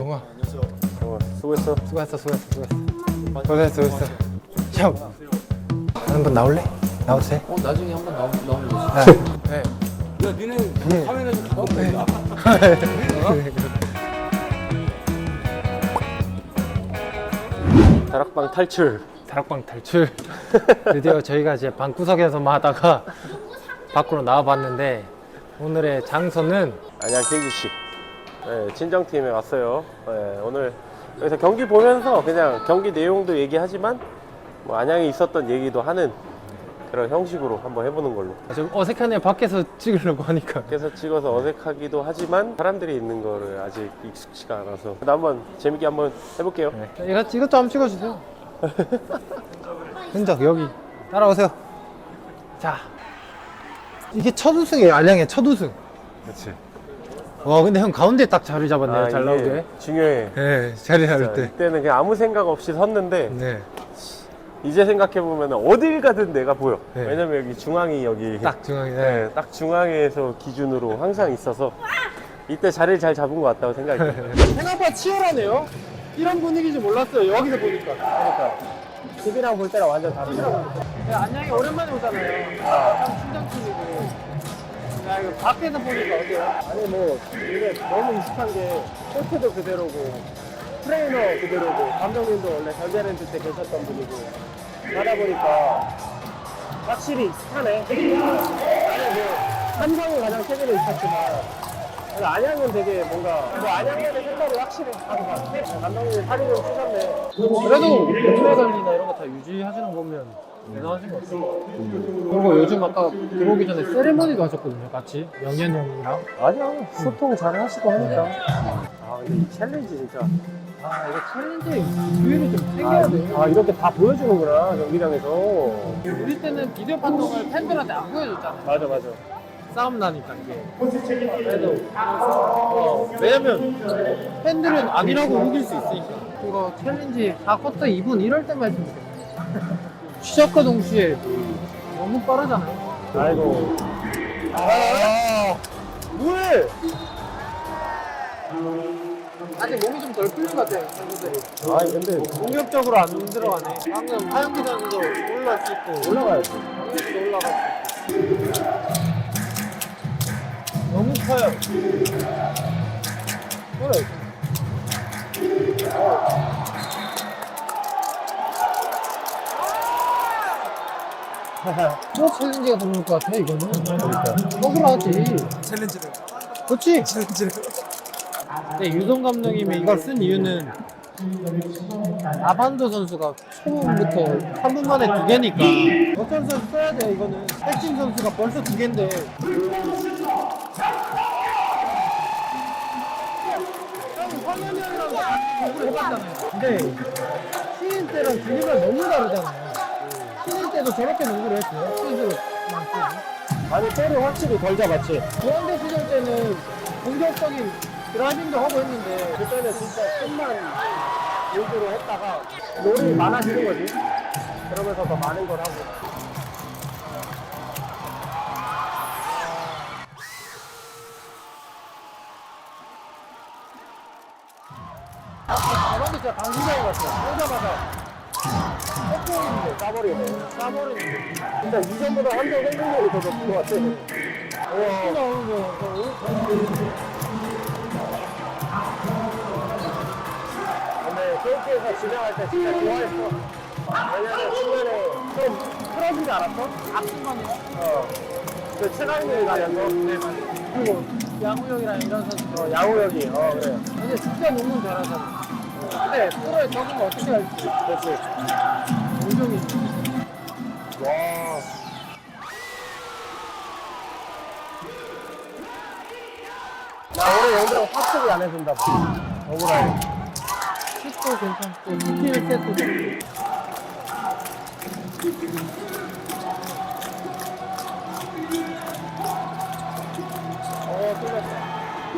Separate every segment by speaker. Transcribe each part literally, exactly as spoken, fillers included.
Speaker 1: 영우야.
Speaker 2: 어, 수고했어.
Speaker 1: 수고했어, 수고했어, 수고했어. 고생했어, 수고했어. 형, 한번 나올래? 나와도 돼?
Speaker 3: 어 나중에 한번 나오, 나오면 되지.
Speaker 1: 네.
Speaker 3: 야 니네 카메라 좀 갖고 있다.
Speaker 2: 다락방 탈출.
Speaker 1: 다락방 탈출. 드디어 저희가 이제 방구석에서만 하다가 밖으로 나와봤는데 오늘의 장소는
Speaker 2: 안녕 케이지씨. 네, 친정팀에 왔어요. 네, 오늘 여기서 경기 보면서 그냥 경기 내용도 얘기하지만 뭐 안양에 있었던 얘기도 하는 그런 형식으로 한번 해보는 걸로.
Speaker 1: 좀 어색하네. 밖에서 찍으려고 하니까.
Speaker 2: 밖에서 찍어서 어색하기도 하지만 사람들이 있는 거를 아직 익숙치가 않아서 한번 재밌게 한번 해볼게요.
Speaker 1: 네. 이거 이것도 한번 찍어주세요. 흔적 여기 따라오세요. 자, 이게 첫 우승이에요. 안양의 첫 우승.
Speaker 2: 그렇지.
Speaker 1: 와, 근데 형 가운데 딱 자리 잡았네요.
Speaker 2: 아,
Speaker 1: 잘
Speaker 2: 이게
Speaker 1: 나오게.
Speaker 2: 중요해.
Speaker 1: 네, 자리 잡을
Speaker 2: 자,
Speaker 1: 때.
Speaker 2: 이때는 그냥 아무 생각 없이 섰는데
Speaker 1: 네,
Speaker 2: 이제 생각해보면 어딜 가든 내가 보여.
Speaker 1: 네.
Speaker 2: 왜냐면 여기 중앙이 여기
Speaker 1: 딱 중앙에.
Speaker 2: 네,
Speaker 1: 네.
Speaker 2: 딱 중앙에서 기준으로 항상 있어서 이때 자리를 잘 잡은 것 같다고 생각이 들어요.
Speaker 1: 생각보다 치열하네요. 이런 분위기인지 몰랐어요. 여기서 보니까.
Speaker 2: 그러니까 집이랑 볼 때랑 완전 다르죠.
Speaker 1: 네, 안양이 오랜만에 오잖아요. 참 친정팀이고. 야, 이거 밖에서 보니까 어때요?
Speaker 2: 아니 뭐 이게 너무 익숙한 게 코트도 그대로고 트레이너 그대로고 감독님도 원래 전자랜드 때 계셨던 분이고 하다 보니까 확실히 익숙하네. 나는 뭐 삼성이 가장 최근에 있었지만 안양은 되게 뭔가 뭐 안양만의 색깔이 확실히 다른 것 같아. 감독님이 살이 좀 찌셨네.
Speaker 1: 그래도 몸매 관리나 이런 거 다 유지하시는 거 보면 대단하신 것 같아요. 그리고 요즘 아까 들어오기 전에 세레머니도 하셨거든요. 같이 영현 형이랑.
Speaker 2: 아니야 소통 잘 하시고 하니까. 아 근데 이 챌린지 진짜.
Speaker 1: 아, 이거 챌린지 기회를 좀 챙겨야 돼요.
Speaker 2: 아 이렇게 다 보여주는구나 경기장에서.
Speaker 1: 우리 때는 비디오 판독을 팬들한테 안 보여줬잖아요.
Speaker 2: 맞아 맞아.
Speaker 1: 싸움 나니까 이게. 그래도 어, 왜냐면 팬들은 아니라고 우길 수 있으니까. 이거 챌린지 사 쿼터 이 분 이럴 때만 했으면 좋겠네. 시작과 동시에 너무 빠르잖아요.
Speaker 2: 아이고. 아, 뭐해?
Speaker 1: 아직 몸이 좀 덜 풀린 것 같아요, 선수들이.
Speaker 2: 아니 근데
Speaker 1: 공격적으로 안 들어가네. 방금 하영기 선수도 올라갈 수 있고,
Speaker 2: 올라가야지.
Speaker 1: 강민수도 올라갈 수 있고. 너무 커요. 그래. 또 챌린지가 들어올 것 같아, 이거는. 그러니까. 억울하지.
Speaker 3: 챌린지를.
Speaker 1: 그렇지?
Speaker 3: 챌린지를.
Speaker 1: 근데 유동 감독님이 이걸 쓴 이유는 아반도 선수가 초반부터 삼 분 만에 두 개니까 어떤 선수 써야 돼. 이거는 백진 선수가 벌써 두 개인데 황현현이랑 농구를 해봤잖아요. 근데 신인 때랑 분위기가 너무 다르잖아요. 신인 때도 저렇게 농구를 했어요. 스스로
Speaker 2: 아니 볼을 확실히 덜 잡았지.
Speaker 1: 조한대 시절 때는 공격적인 드라이빙도 하고 했는데
Speaker 2: 그때는 진짜 끝만 용도로 했다가 롤이 많아지는 거지. 그러면서 더 많은 걸 하고.
Speaker 1: 저런데 진짜 강심장인 것 같아요. 오자마자 헛공인데
Speaker 2: 싸버리네.
Speaker 1: 싸버리는데
Speaker 2: 진짜 이전보다 한점 생각력이 더 높은 것 같아.
Speaker 1: 또 나오는 거
Speaker 2: 근데 케이크에서 진행할 때 진짜 좋아했어. 왜냐면 중간에 좀 풀어지지 않았어?
Speaker 1: 악순간이요?
Speaker 2: 어. 그 최강민이 가면서.
Speaker 1: 네, 맞아요. 그리고 양우 형이랑 이런 선수들
Speaker 2: 어, 양호 형이. 어, 그래.
Speaker 1: 근데 진짜 농구 잘하잖아. 근데 프로에 적으면 어떻게 할지
Speaker 2: 그렇지.
Speaker 1: 우정이
Speaker 2: 와. 나 올해 영대가 확실히 안 해준다. 억울하게.
Speaker 1: 슛도 괜찮고 스킬 셋도 좋고
Speaker 2: 어, 틀렸다.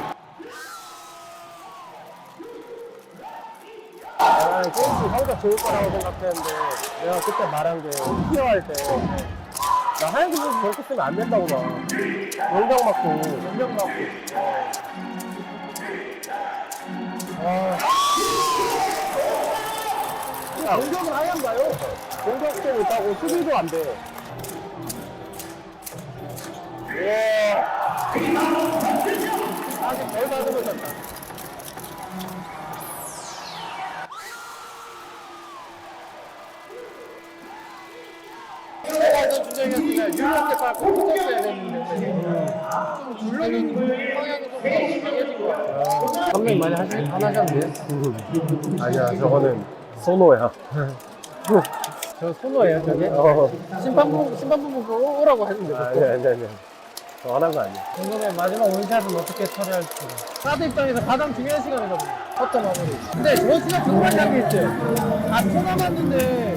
Speaker 2: 아, 게임이 성적 좋을 거라고 생각했는데, 내가 그때 말한 게, 티어할 때, 나 하얀 선수 저렇게 쓰면 안 된다고 봐. 용병 맞고, 용병 맞고. 야, 공격은 아예 안 가요. 공격도 못하고 수비도 안 돼. 예. 아직 덜 받으면 된다.
Speaker 1: 내가 이런 주장이었으면 유리한테 꼭 붙었어야 됐는데 좀 굴러는 방향이 좀 심해진 것 같아요. 감독이 많이 하시, 안 하셨는데?
Speaker 2: 아니야, 저거는 소노야.
Speaker 1: 저 손호예요 저게?
Speaker 2: 어.
Speaker 1: 심판부, 심판부 보고 오라고 했는데
Speaker 2: 아니, 아니, 아니. 저 하는 거 아니야.
Speaker 1: 궁금해 마지막 원샷은 어떻게 처리할지. 사드 입장에서 가장 중요한 시간이거든요. 커터 마무리. 근데 저 진짜 궁금한 게 있어요. 아, 초 남았는데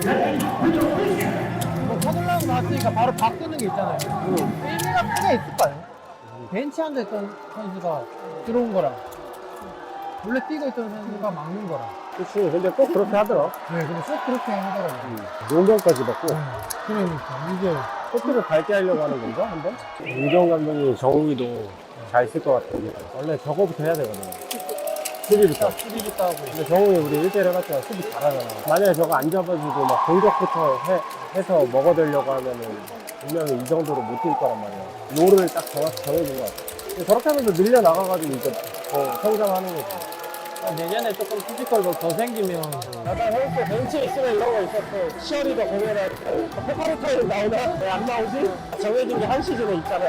Speaker 1: 뭐 터들라고 나왔으니까 바로 바꾸는 게 있잖아요. 의미가 크게 있을까요? 벤치한테 있던 선수가 들어온 거랑 원래 뛰고 있던 선수가 막는 거랑.
Speaker 2: 그치. 근데 꼭 그렇게 하더라.
Speaker 1: 네, 근데 꼭 그렇게 하더라고요.
Speaker 2: 용병까지 받고.
Speaker 1: 그러니까 이게
Speaker 2: 코트를 밝게 하려고 하는 건가? 한 번? 윤경 감독이 정욱이도 잘 쓸 것 같아. 원래 저거부터 해야 되거든. 수비부터.
Speaker 1: 수비부터 하고.
Speaker 2: 근데 정욱이 우리 일 대일 해봤자 수비 잘하잖아. 만약에 저거 안 잡아주고 막 공격부터 해, 해서 먹어대려고 하면은 분명히 이 정도로 못 뛸 거란 말이야. 롤을 딱 정확히 정해준 것 같아. 근데 저렇게 하면서 늘려나가가지고 이제 더 성장하는 거지.
Speaker 1: 내년에 조금 피지컬도 더 생기면
Speaker 2: 약간 헬스 벤치에 있으면 이런 거 있었어. 치어리더 보면은 포카리타임 나오나? 왜 안 나오지? 정해진 게 한 시즌에 있잖아.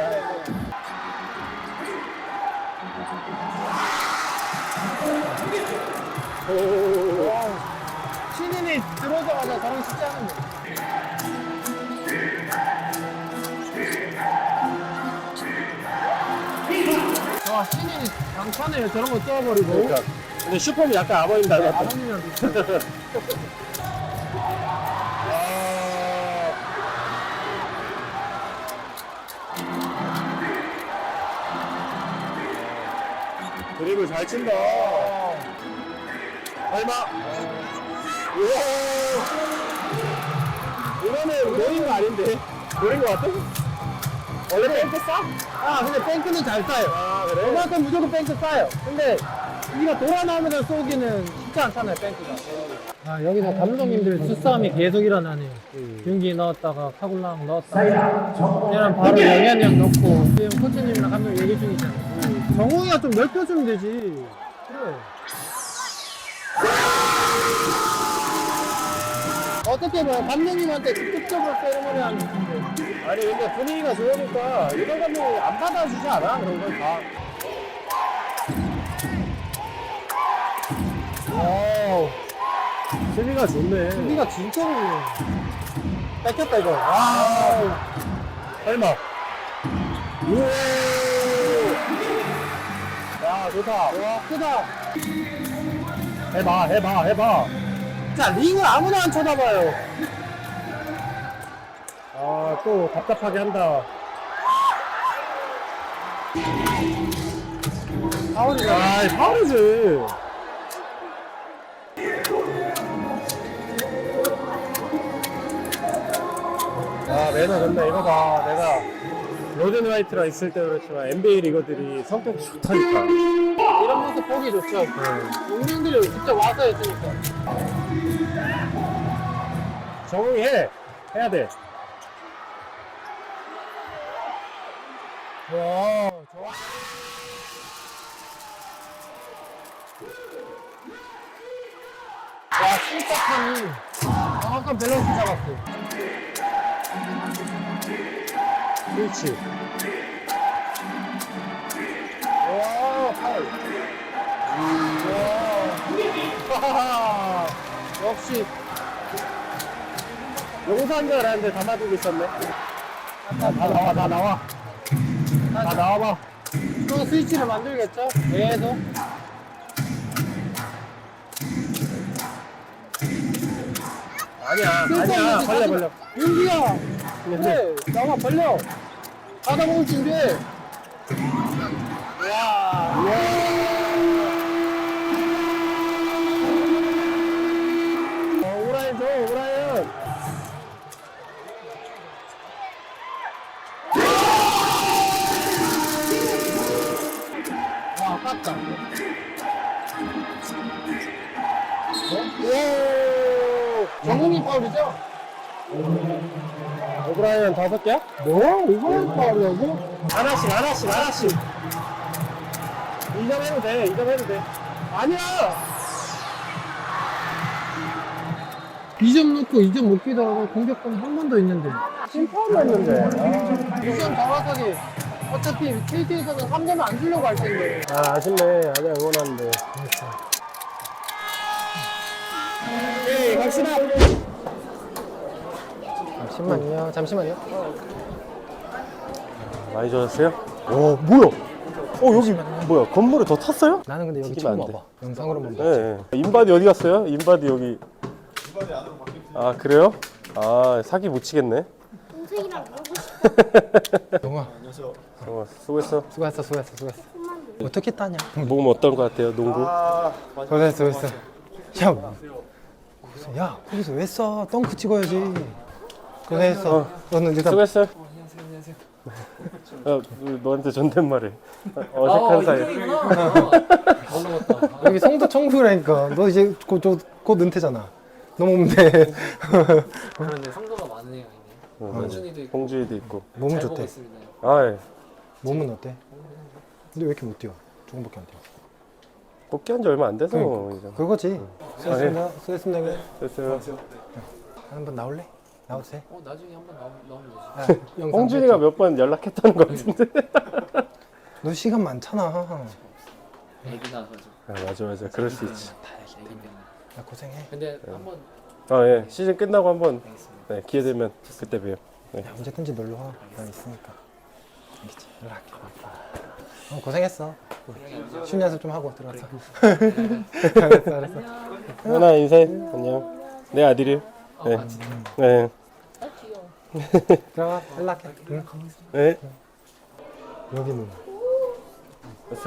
Speaker 2: 오.
Speaker 1: 신인이 들어오자마자 저런 쉽지 않은데. 와, 신인이 강판에 저런 거 써버리고.
Speaker 2: 그러니까. 근데 슈퍼는 약간 아버님 닮았다.
Speaker 1: 아버님이랑 비슷해.
Speaker 2: 드립을 잘 친다. 얼마? 우와. 이거는 노린 거 아닌데? 노린 거 같아? 원래 뱅크 싸?
Speaker 1: 아, 근데 뱅크는 잘 싸요.
Speaker 2: 아, 그래?
Speaker 1: 그만큼 무조건 뱅크 싸요. 근데 우리가 돌아 나오면서 쏘기는 쉽지 않잖아요, 뱅크가. 아, 여기서 감독님들 수싸움이 계속 일어나네요. 윤기 넣었다가 카굴랑 넣었다가 얘는 바로 영현이 형 넣고 지금 코치님이랑 감독 얘기 중이잖아요. 정웅이가 좀 넓혀주면 되지. 그래. 어떻게 뭐 감독님한테 직접적으로 세레머니 하는 건데.
Speaker 2: 아니 근데 분위기가 좋으니까 이런 감독이 안 받아주지 않아? 그런 걸 다.
Speaker 1: 와우.
Speaker 2: 수비가 좋네.
Speaker 1: 수비가 진짜로 뺏겼다 이거. 와우.
Speaker 2: 설마. 우와. 야 좋다.
Speaker 1: 와, 크다.
Speaker 2: 해봐 해봐 해봐.
Speaker 1: 자, 링을 아무나 안 쳐다봐요.
Speaker 2: 아 또 답답하게 한다.
Speaker 1: 파울이다.
Speaker 2: 아 파울이지. 아 매너 좋네. 이거 봐 내가 로든 화이트랑 있을 때 그렇지만 엔비에이 리거들이 성격이 좋다니까.
Speaker 1: 이런 모습 보기 좋죠. 용병들이 직접 와서 했으니까.
Speaker 2: 정웅이 해. 해야 돼.
Speaker 1: 와, 좋아. 와, 심각함이 정확한 밸런스 잡았어.
Speaker 2: 그렇지.
Speaker 1: 와, 파울. 와, 역시.
Speaker 2: 용서한 줄 알았는데 담아두고 있었네. 다 나와, 다 나와. 다 나와봐.
Speaker 1: 또 스위치를 만들겠죠? 계속.
Speaker 2: 아니야, 아니야. 벌려, 벌려.
Speaker 1: 윤기야! 그래, 나와, 벌려! 가다 보면 준비해! 와,
Speaker 2: 어, 오라인 줘, 오라인.
Speaker 1: 와, 아깝다.
Speaker 2: 오!
Speaker 1: 정훈이 파울이죠?
Speaker 2: 오브라이언 다섯 개야?
Speaker 1: 뭐? 이거 파울이라고?
Speaker 2: 하나씩, 하나씩, 하나씩. 이 점 해도 돼, 이 점 해도 돼.
Speaker 1: 아니야! 이 점 넣고 이 점 못 끼더라도 공격권 한 번 더 있는데.
Speaker 2: 심파울이었는데.
Speaker 1: 이 점 정확하게. 어차피 케이티에서는 삼 점을 안 주려고 할 텐데.
Speaker 2: 아, 아쉽네. 아니야, 응원하는데. 에이, 갑시다.
Speaker 1: 잠시만요, 잠시만요.
Speaker 2: 많이 좋았어요? 오, 뭐야? 어, 여기 뭐야? 건물에 더 탔어요?
Speaker 1: 나는 근데 여기
Speaker 2: 튀기면
Speaker 1: 처음
Speaker 2: 안 돼.
Speaker 1: 와봐. 영상으로만 봐.
Speaker 2: 네. 인바디 어디 갔어요? 인바디 여기. 인바디 안으로 바뀌었어요. 아, 그래요? 아, 사기 못 치겠네.
Speaker 4: 동생이랑 놀고 싶어.
Speaker 1: 영아,
Speaker 2: 어, 수고했어.
Speaker 1: 수고했어, 수고했어, 수고했어. 어떻게 따냐?
Speaker 2: 몸 어떤 것 같아요, 농구?
Speaker 1: 고생했어, 고생했어. 야, 고생- 야, 거기서 왜 써? 덩크 찍어야지. 고생했어.
Speaker 2: 어.
Speaker 1: 너는 일단
Speaker 2: 수고했어요. 어, 너한테 존댓말해. 어색한 사이.
Speaker 1: 여기 성도 청소라니까. 너 이제 곧, 저, 곧 은퇴잖아. 넘어오면 돼.
Speaker 3: 그런데 성도가 많은 애가 있네. 홍준이도 있고.
Speaker 2: 홍주이도 있고.
Speaker 1: 몸은
Speaker 3: 잘
Speaker 1: 좋대.
Speaker 3: 보고 있습니다.
Speaker 2: 아, 예.
Speaker 1: 몸은 어때? 근데 왜 이렇게 못 뛰어? 조금밖에 안 뛰어.
Speaker 2: 복귀한 지 얼마 안 돼서
Speaker 1: 그러니까.
Speaker 2: 이제.
Speaker 1: 그거지. 수고했습니다. 수고했습니다. 형님.
Speaker 2: 됐어요.
Speaker 1: 한번 나올래? 나와도 돼?
Speaker 3: 어 나중에 한번 나오, 나오면 되지.
Speaker 1: 아, 영상
Speaker 2: 홍준이가 몇 번 연락했다는 것 같은데.
Speaker 1: 너 시간 많잖아.
Speaker 3: 애기 나가지고.
Speaker 2: 아, 맞아, 맞아. 그럴 수 있지.
Speaker 3: 애기 때문에.
Speaker 1: 야, 고생해.
Speaker 3: 근데 한번
Speaker 2: 아, 예. 시즌 끝나고 한번
Speaker 3: 알겠습니다.
Speaker 2: 네, 기회 되면 그때 봬요. 네.
Speaker 1: 야, 언제든지 놀러 와. 난 있으니까. 알겠지? 연락할게. 어, 고생했어. 춤 연습 좀 하고 들어가서. 알았어, 알았어.
Speaker 2: 현아 인사해. 안녕. 내 아들이. 네.
Speaker 3: 아 진짜.
Speaker 2: 네.
Speaker 1: 들어가, 연락해. 응?
Speaker 2: 네.
Speaker 1: 여기는.
Speaker 2: 됐어.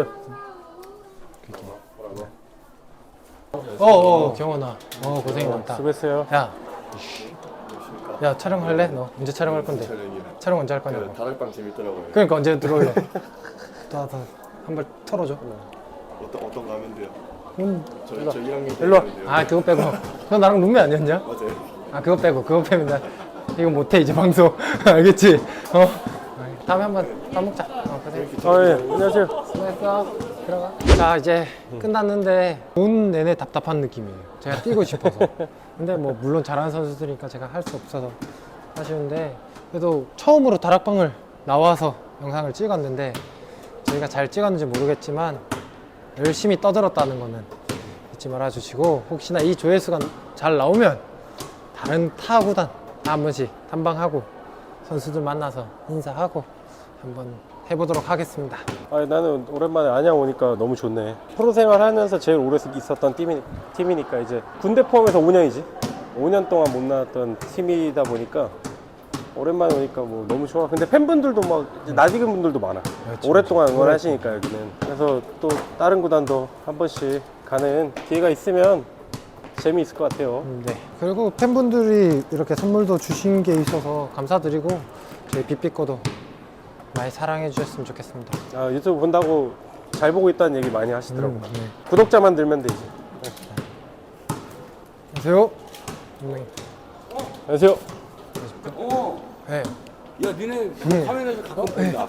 Speaker 1: 어, 어, 경원아. 어, 고생이 많다.
Speaker 2: 수고했어요.
Speaker 1: 야. 야, 촬영할래? 너 언제 촬영할 건데? 촬영 언제 할 거냐고.
Speaker 5: 다락방 재밌더라고요.
Speaker 1: 그러니까 언제 들어올래? 또, 또, 한번 털어줘.
Speaker 5: 어떤 어떤 거 하면 돼요?
Speaker 1: 음,
Speaker 5: 저, 저 일 학년 때
Speaker 1: 일로 와.
Speaker 5: 하면 돼요.
Speaker 1: 아, 그거 빼고. 너 나랑 룸메 아니었냐?
Speaker 5: 맞아요.
Speaker 1: 아, 그거 빼고. 그거 빼면 나 이거 못해, 이제 방송. 알겠지? 어? 다음에 한번 밥 먹자. 어, 고생.
Speaker 2: 아, 예. 안녕하세요.
Speaker 1: 수고했어. 들어가. 자, 이제 끝났는데 온 내내 답답한 느낌이에요. 제가 뛰고 싶어서. 근데 뭐 물론 잘하는 선수들이니까 제가 할 수 없어서 아쉬운데 그래도 처음으로 다락방을 나와서 영상을 찍었는데 저희가 잘 찍었는지 모르겠지만 열심히 떠들었다는 거는 잊지 말아주시고 혹시나 이 조회수가 잘 나오면 다른 타 구단 다 한 번씩 탐방하고 선수들 만나서 인사하고 한번 해보도록 하겠습니다.
Speaker 2: 아, 나는 오랜만에 안양 오니까 너무 좋네. 프로 생활하면서 제일 오래 있었던 팀이, 팀이니까 이제 군대 포함해서 오 년이지. 오 년 동안 못 나왔던 팀이다 보니까 오랜만에 오니까 뭐 너무 좋아. 근데 팬분들도 막 이제 낯익은 분들도 많아.
Speaker 1: 그렇지,
Speaker 2: 오랫동안 응원하시니까 여기는. 그래서 또 다른 구단도 한 번씩 가는 기회가 있으면 재미있을 것 같아요.
Speaker 1: 네. 그리고 팬분들이 이렇게 선물도 주신 게 있어서 감사드리고 저희 빅빅거도 많이 사랑해 주셨으면 좋겠습니다.
Speaker 2: 아, 유튜브 본다고 잘 보고 있다는 얘기 많이 하시더라고.
Speaker 1: 음, 네.
Speaker 2: 구독자만 들면 되지.
Speaker 1: 안녕하세요. 네.
Speaker 2: 안녕하세요.
Speaker 3: 어.
Speaker 1: 네.
Speaker 3: 야 니네
Speaker 1: 네.
Speaker 3: 카메라 좀 갖고 본다.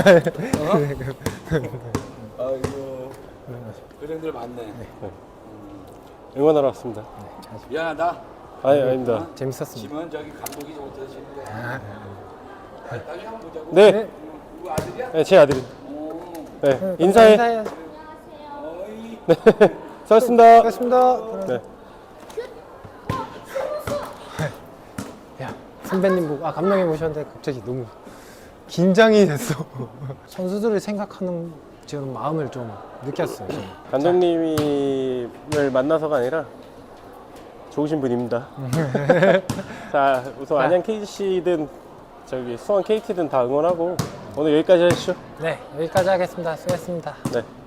Speaker 3: 아이고. 고생들 많네.
Speaker 2: 응원하러 왔습니다.
Speaker 3: 미안하다.
Speaker 2: 아니, 아닙니다.
Speaker 1: 재밌었습니다.
Speaker 3: 지면 저기 감독이 좀 못해주시는데.
Speaker 1: 아,
Speaker 3: 나중에 한번 보자고.
Speaker 2: 네,
Speaker 1: 네.
Speaker 3: 누구 아들이야?
Speaker 2: 네, 제 아들이.
Speaker 3: 어.
Speaker 2: 네, 인사해.
Speaker 1: 인사해야지.
Speaker 3: 어이.
Speaker 2: 네, 수고하셨습니다.
Speaker 1: 고맙습니다.
Speaker 2: 네.
Speaker 1: 야, 선배님 보고, 아, 감독님 오셨는데 갑자기 너무 긴장이 됐어. 선수들을 생각하는 지금 마음을 좀 느꼈어요. 저는.
Speaker 2: 감독님을 만나서가 아니라 좋으신 분입니다. 자, 우선
Speaker 1: 자.
Speaker 2: 안양 케이씨든 저기 수원 케이티든 다 응원하고 오늘 여기까지 하시죠.
Speaker 1: 네, 여기까지 하겠습니다. 수고했습니다.
Speaker 2: 네.